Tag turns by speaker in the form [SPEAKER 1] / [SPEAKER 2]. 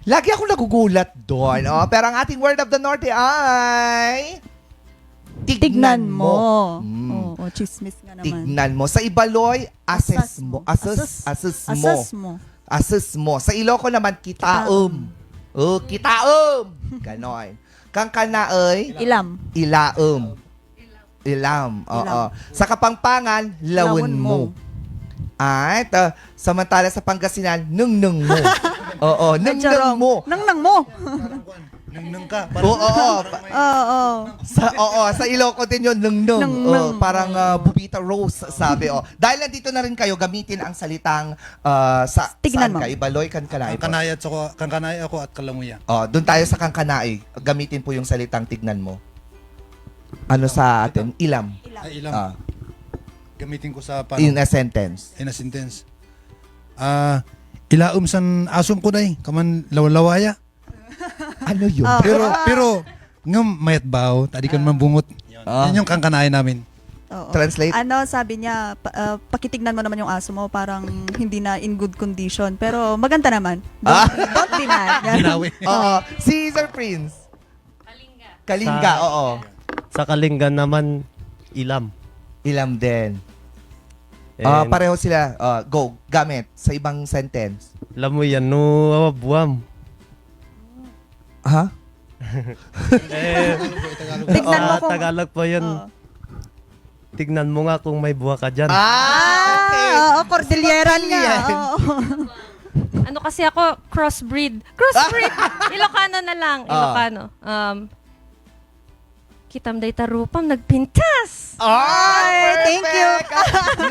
[SPEAKER 1] Lagi ako nagugulat doon. Oh. Pero ang ating word of the Norte ay...
[SPEAKER 2] Tignan mo.
[SPEAKER 1] Mm.
[SPEAKER 2] Oo, chismis nga naman.
[SPEAKER 1] Tignan mo. Sa Ibaloy, assess mo. Assess mo. Assess mo. Sa Iloco naman, kitaom. Oh, kitaom. Ganon. Kang kanaoy,
[SPEAKER 2] Ilam.
[SPEAKER 1] ilaom. Ilam. Oo. Sa Kapampangan, lawon mo. At samantala sa Pangasinan, nung mo. Oo, nung mo.
[SPEAKER 2] Nang mo.
[SPEAKER 3] Nung ka.
[SPEAKER 2] Oo.
[SPEAKER 1] Sa Iloco din yun, nung. Parang Bubita Rose, sabi. Dahil nandito na rin kayo, gamitin ang salitang sa
[SPEAKER 2] Tignan
[SPEAKER 1] saan
[SPEAKER 2] mo.
[SPEAKER 1] ka? Ibaloy, Kankanay.
[SPEAKER 3] Kangkanay ako at Kalamuya.
[SPEAKER 1] Doon tayo sa Kankanay. Gamitin po yung salitang tignan mo. Ano sa atin? Ilam.
[SPEAKER 3] Ay, ilang.
[SPEAKER 1] Ah,
[SPEAKER 3] Gamitin ko sa
[SPEAKER 1] in a sentence.
[SPEAKER 3] in a sentence. Ilaom san asom ko day, kaman lawlawaya.
[SPEAKER 1] Ano yun?
[SPEAKER 3] Pero ngam mayat baw, tadi kan mambungot. Yan yung kangkanayan namin.
[SPEAKER 2] Oo.
[SPEAKER 1] Translate?
[SPEAKER 2] Ano, sabi niya, pakitignan mo naman yung aso mo, parang hindi na in good condition. Pero maganda naman. Don't deny.
[SPEAKER 3] Ginawi.
[SPEAKER 1] Si Sir Prince. Kalinga, oo.
[SPEAKER 4] Sa Kalinga naman, ilam.
[SPEAKER 1] Ilam din.
[SPEAKER 4] And,
[SPEAKER 1] Pareho sila. Go, gamit sa ibang sentence.
[SPEAKER 4] alam mo yan, no, buwam.
[SPEAKER 1] Ha?
[SPEAKER 2] Tignan mo kung...
[SPEAKER 4] Tagalog po yun.
[SPEAKER 2] Oo.
[SPEAKER 4] Tignan mo nga kung may buwa ka dyan.
[SPEAKER 1] Okay.
[SPEAKER 2] Oo, Cordilleran nga.
[SPEAKER 1] Yan.
[SPEAKER 2] Oo.
[SPEAKER 5] Ano kasi ako, crossbreed. Crossbreed! Ilocano na lang. Ilocano. Kitam day tarupam, nagpintas!
[SPEAKER 1] Ay,
[SPEAKER 2] Thank you.